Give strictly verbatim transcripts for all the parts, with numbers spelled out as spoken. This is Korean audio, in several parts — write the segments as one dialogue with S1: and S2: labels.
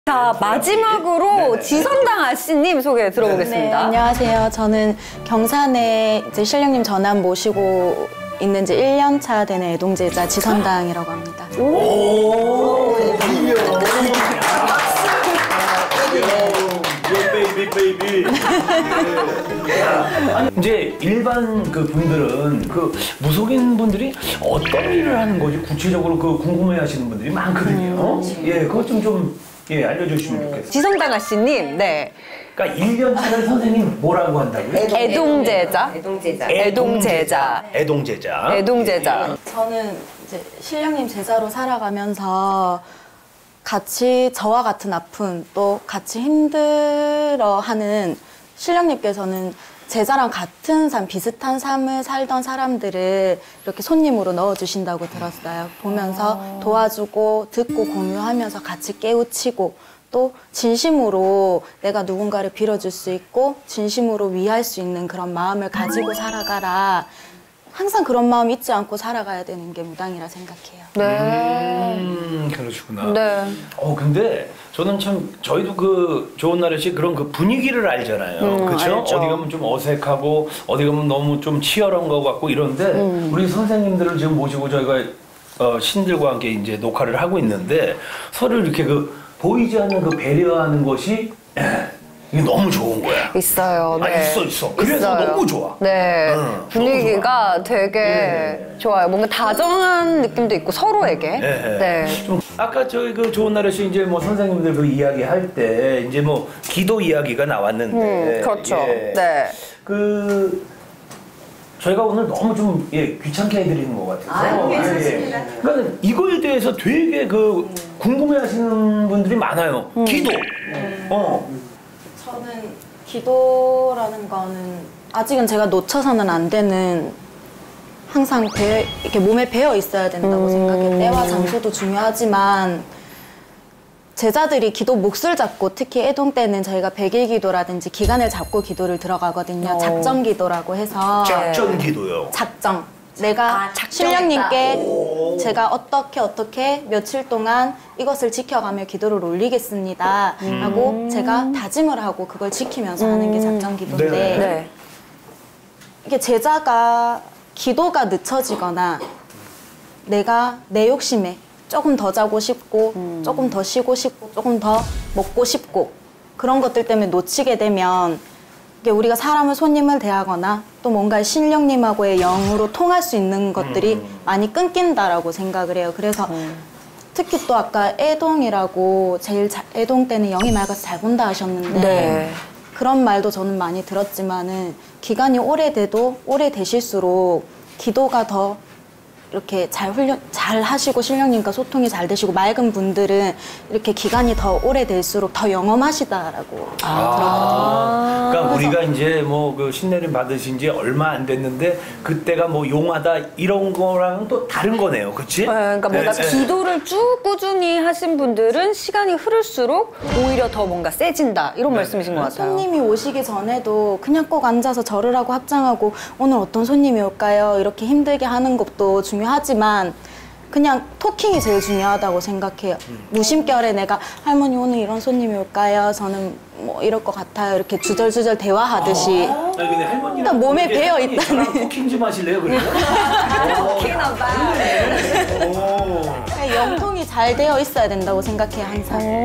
S1: 자, 마지막으로
S2: 네네.
S1: 지선당 아씨님 소개 들어보겠습니다.
S3: 네, 안녕하세요. 저는 경산에 이제 신령님 전함 모시고 있는 지 일 년 차 되는 애동제자 지선당이라고 합니다.
S2: 오, 베이비 베이비. 아니 이제 일반 그 분들은 그 무속인 분들이 어떤 일을 하는 거지 구체적으로 그 궁금해하시는 분들이 많거든요. 음, 예, 그것 좀 좀 예 알려주시면 좋겠어요.
S1: 지선당 아씨님, 네.
S2: 그러니까 일 년 차는 선생님 뭐라고 한다고요?
S1: 애동제자.
S4: 애동제자.
S1: 애동제자.
S2: 애동제자.
S1: 애동제자.
S3: 저는 이제 신령님 제자로 살아가면서 같이 저와 같은 아픔 또 같이 힘들어하는 신령님께서는 제자랑 같은 삶, 비슷한 삶을 살던 사람들을 이렇게 손님으로 넣어주신다고 들었어요. 보면서 도와주고 듣고 공유하면서 같이 깨우치고 또 진심으로 내가 누군가를 빌어줄 수 있고 진심으로 위할 수 있는 그런 마음을 가지고 살아가라. 항상 그런 마음 잊지 않고 살아가야 되는 게 무당이라 생각해요.
S1: 네.
S2: 음, 그러시구나.
S1: 네.
S2: 어, 근데 저는 참 저희도 그 좋은 날씨 그런 그 분위기를 알잖아요.
S1: 음,
S2: 그렇죠?
S1: 알죠.
S2: 어디 가면 좀 어색하고 어디 가면 너무 좀 치열한 것 같고 이런데
S1: 음.
S2: 우리 선생님들을 지금 모시고 저희가 어, 신들과 함께 이제 녹화를 하고 있는데 서로 이렇게 그 보이지 않는 그 배려하는 것이 이게 너무 좋은 거야.
S1: 있어요. 네.
S2: 아, 있어, 있어. 그래서
S1: 있어요.
S2: 너무 좋아.
S1: 네.
S2: 응,
S1: 분위기가
S2: 너무
S1: 되게
S2: 네.
S1: 좋아요. 뭔가 다정한 느낌도 있고 서로에게.
S2: 네.
S1: 네.
S2: 좀 아까 저희 그 좋은 날씨 이제 뭐 선생님들 그 이야기 할 때 이제 뭐 기도 이야기가 나왔는데.
S1: 음, 그렇죠.
S2: 예.
S1: 네.
S2: 그 저희가 오늘 너무 좀 예, 귀찮게 해드리는 것 같아서.
S4: 아, 괜찮습니다.
S2: 예. 그러니까 이거에 대해서 되게 그 궁금해하시는 분들이 많아요.
S1: 음.
S2: 기도. 어.
S3: 저는 기도라는 거는 아직은 제가 놓쳐서는 안 되는 항상 배어, 이렇게 몸에 배어 있어야 된다고
S1: 음.
S3: 생각해요. 때와 장소도 중요하지만 제자들이 기도 몫을 잡고 특히 애동 때는 저희가 백일 기도라든지 기간을 잡고 기도를 들어가거든요.
S1: 어.
S3: 작정 기도라고 해서
S2: 작전 기도요.
S3: 작정. 내가
S4: 아, 작정했다.
S3: 신령님께 제가 어떻게 어떻게 며칠 동안 이것을 지켜가며 기도를 올리겠습니다 하고 제가 다짐을 하고 그걸 지키면서 하는 게 작정 기도인데
S2: 네.
S1: 네.
S3: 이게 제자가 기도가 늦춰지거나 내가 내 욕심에 조금 더 자고 싶고
S1: 음.
S3: 조금 더 쉬고 싶고 조금 더 먹고 싶고 그런 것들 때문에 놓치게 되면 이게 우리가 사람을 손님을 대하거나 또 뭔가 신령님하고의 영으로 통할 수 있는 것들이
S2: 음.
S3: 많이 끊긴다라고 생각을 해요. 그래서
S1: 음.
S3: 특히 또 아까 애동이라고 제일 자, 애동 때는 영이 맑아서 잘 본다 하셨는데
S1: 네.
S3: 그런 말도 저는 많이 들었지만은 기간이 오래돼도 오래되실수록 기도가 더 이렇게 잘 훈련 잘 하시고 신령님과 소통이 잘 되시고 맑은 분들은 이렇게 기간이 더 오래될수록 더 영험하시다라고
S2: 아,
S3: 들었거든요.
S2: 그러니까 우리가 이제 뭐 그 신내림 받으신 지 얼마 안 됐는데 그때가 뭐 용하다 이런 거랑은 또 다른 거네요, 그렇지?
S1: 네, 그러니까 뭔가
S2: 네, 네.
S1: 기도를 쭉 꾸준히 하신 분들은 시간이 흐를수록 오히려 더 뭔가 세진다 이런 말씀이신 것 같아요.
S3: 손님이 오시기 전에도 그냥 꼭 앉아서 절을 하고 합장하고 오늘 어떤 손님이 올까요? 이렇게 힘들게 하는 것도 중요하지만 그냥 토킹이 제일 중요하다고 생각해요. 무심결에 내가 할머니 오늘 이런 손님이 올까요? 저는 뭐 이럴 것 같아요. 이렇게 주절주절 대화하듯이
S2: 아니 근데 할머니랑
S3: 일단 몸에
S2: 이렇게
S3: 배어
S2: 할머니
S3: 있다는.
S2: 저랑 쿠킹 좀 하실래요, 그래요? 오.
S3: 그냥 영통이 잘 되어 있어야 된다고 생각해요, 항상.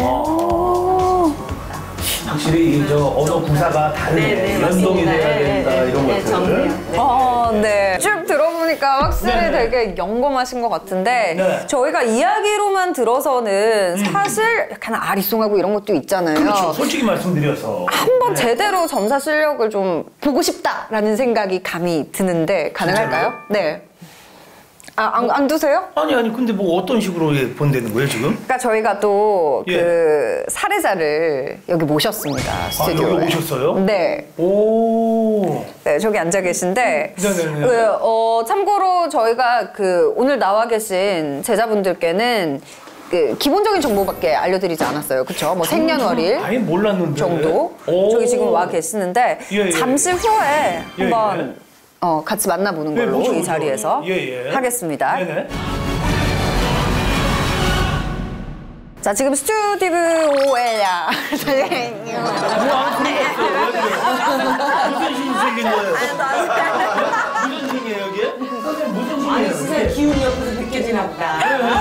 S2: 확실히 이 저 언어 구사가 다르네.
S4: 네, 네,
S2: 연동이
S4: 맞습니다.
S2: 돼야
S4: 네,
S2: 된다
S4: 네,
S2: 이런
S4: 네,
S2: 것들.
S4: 정리요. 네.
S1: 어, 네. 쭉 들어보니까 확실히
S2: 네.
S1: 되게 영검하신 것 같은데
S2: 네.
S1: 저희가 이야기로만 들어서는 사실 약간 아리송하고 이런 것도 있잖아요.
S2: 그렇죠. 솔직히 말씀드려서.
S1: 한번 제대로 점사 실력을 좀 보고 싶다라는 생각이 감이 드는데 가능할까요? 네. 아, 안, 안 두세요?
S2: 아니 아니 근데 뭐 어떤 식으로 예, 본다는 거예요 지금?
S1: 그러니까 저희가 또 그
S2: 예.
S1: 사례자를 여기 모셨습니다. 스튜디오에.
S2: 아, 여기 오셨어요?
S1: 네.
S2: 오.
S1: 네, 저기 앉아 계신데
S2: 네네네.
S1: 그, 어, 참고로 저희가 그 오늘 나와 계신 제자분들께는 그 기본적인 정보밖에 알려드리지 않았어요. 그렇죠? 뭐 생년월일
S2: 아예 몰랐는데.
S1: 정도
S2: 오.
S1: 저기 지금 와 계시는데
S2: 예, 예.
S1: 잠시 후에
S2: 예,
S1: 한번
S2: 예.
S1: 어, 같이 만나보는
S2: 네,
S1: 걸로
S2: 모셔,
S1: 이
S2: 모셔.
S1: 자리에서
S2: 예, 예.
S1: 하겠습니다.
S2: 네네.
S1: 자, 지금 스튜디오에야.
S2: 뭐, 그런 거 없어요. 무슨 신이 생긴 거예요? 무슨 신이에요, 여기? 선생님, 무슨 신이에요?
S4: 아니 진짜 기운이 옆에서 느껴지나 보다.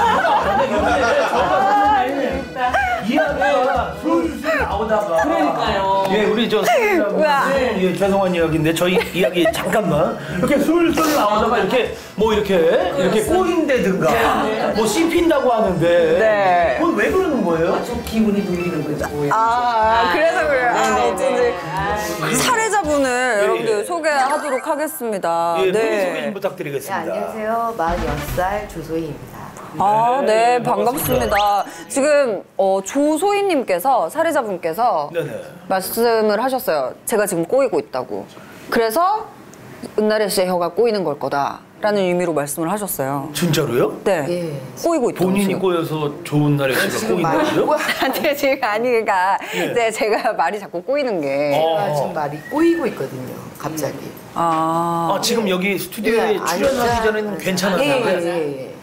S2: 이야기가 술술 나오다가.
S4: 그러니까요.
S2: 예, 우리 저
S1: 우와.
S2: 예, 죄송한 이야기인데 저희 이야기 잠깐만 이렇게 술술 나오다가 이렇게 뭐 이렇게 이렇게 꼬인다든가 뭐 씹힌다고 하는데
S1: 네.
S2: 그건 왜 그러는 거예요?
S4: 저 기운이 눌리는 거죠.
S1: 아, 그래서 그래요. 아, 어쩐지.
S4: 아,
S1: 사례자분을 여러분들
S2: 예.
S1: 소개하도록 하겠습니다.
S2: 예,
S1: 네.
S2: 본인 소개 좀
S5: 네,
S2: 부탁드리겠습니다.
S5: 안녕하세요. 마흔여섯 살 조소희입니다.
S1: 아, 네,
S2: 네,
S1: 반갑습니다. 지금 어, 조소희님께서 사례자분께서
S2: 네네.
S1: 말씀을 하셨어요. 제가 지금 꼬이고 있다고. 그래서 은나래 씨의 혀가 꼬이는 걸 거다라는 의미로 말씀을 하셨어요.
S2: 진짜로요?
S1: 네,
S5: 예.
S1: 꼬이고 있다고.
S2: 본인이
S1: 지금.
S2: 꼬여서 좋은 날에 씨가
S5: 지금 말이
S2: 꼬인다고요?
S5: 꼬
S1: 아니, 지금 아니, 그러니까
S2: 예.
S1: 네, 제가 말이 자꾸 꼬이는 게.
S2: 어.
S5: 제가 지금 말이 꼬이고 있거든요. 갑자기.
S1: 아,
S2: 아, 지금 여기 스튜디오에
S5: 예,
S2: 출연하기
S5: 앉아-
S2: 전에는 괜찮았나요?
S5: 예, 예, 예.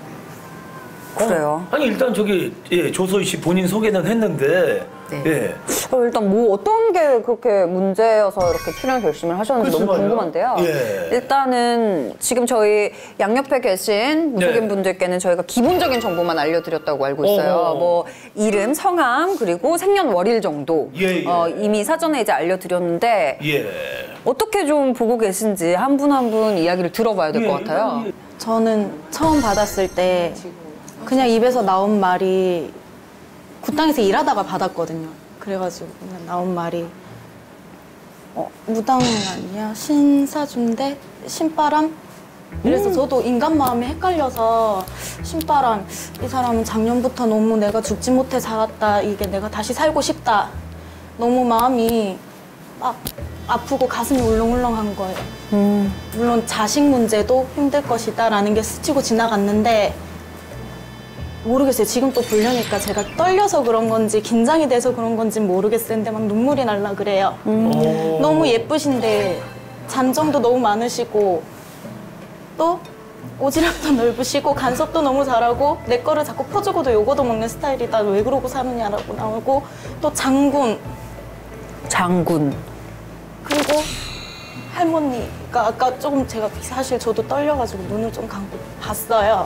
S1: 그래요.
S2: 아니 일단 저기 예, 조소희 씨 본인 소개는 했는데
S5: 네.
S2: 예.
S1: 어, 일단 뭐 어떤 게 그렇게 문제여서 이렇게 출연 결심을 하셨는지
S2: 글쎄
S1: 너무
S2: 말이야.
S1: 궁금한데요.
S2: 예.
S1: 일단은 지금 저희 양옆에 계신 무속인
S2: 네.
S1: 분들께는 저희가 기본적인 정보만 알려드렸다고 알고 있어요.
S2: 어어.
S1: 뭐 이름, 성함, 그리고 생년월일 정도
S2: 예, 예.
S1: 어, 이미 사전에 이제 알려드렸는데
S2: 예.
S1: 어떻게 좀 보고 계신지 한 분 한 분 이야기를 들어봐야 될 것
S2: 예,
S1: 같아요.
S2: 예.
S3: 저는 처음 받았을 때 그냥 입에서 나온 말이 굿당에서 일하다가 받았거든요. 그래가지고 그냥 나온 말이 어, 무당 아니야? 신사준대? 신바람? 이래서 저도 인간 마음이 헷갈려서 신바람, 이 사람은 작년부터 너무 내가 죽지 못해 살았다. 이게 내가 다시 살고 싶다. 너무 마음이 막 아프고 가슴이 울렁울렁한 거예요.
S1: 음.
S3: 물론 자식 문제도 힘들 것이다 라는 게 스치고 지나갔는데 모르겠어요. 지금 또 보려니까 제가 떨려서 그런 건지 긴장이 돼서 그런 건지 모르겠어요. 근데 막 눈물이 날라 그래요.
S2: 오.
S3: 너무 예쁘신데 잔정도 너무 많으시고 또 오지랖도 넓으시고 간섭도 너무 잘하고 내 거를 자꾸 퍼주고도 요거도 먹는 스타일이다. 왜 그러고 사느냐라고 나오고 또 장군
S1: 장군.
S3: 그리고 할머니가 아까 조금 제가 사실 저도 떨려가지고 눈을 좀 감고 봤어요.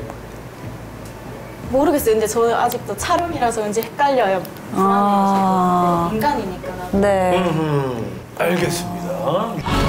S3: 모르겠어요. 근데 저 아직도 촬영이라서 왠지 헷갈려요.
S1: 아.
S3: 인간이니까. 나도.
S1: 네.
S2: 음, 알겠습니다.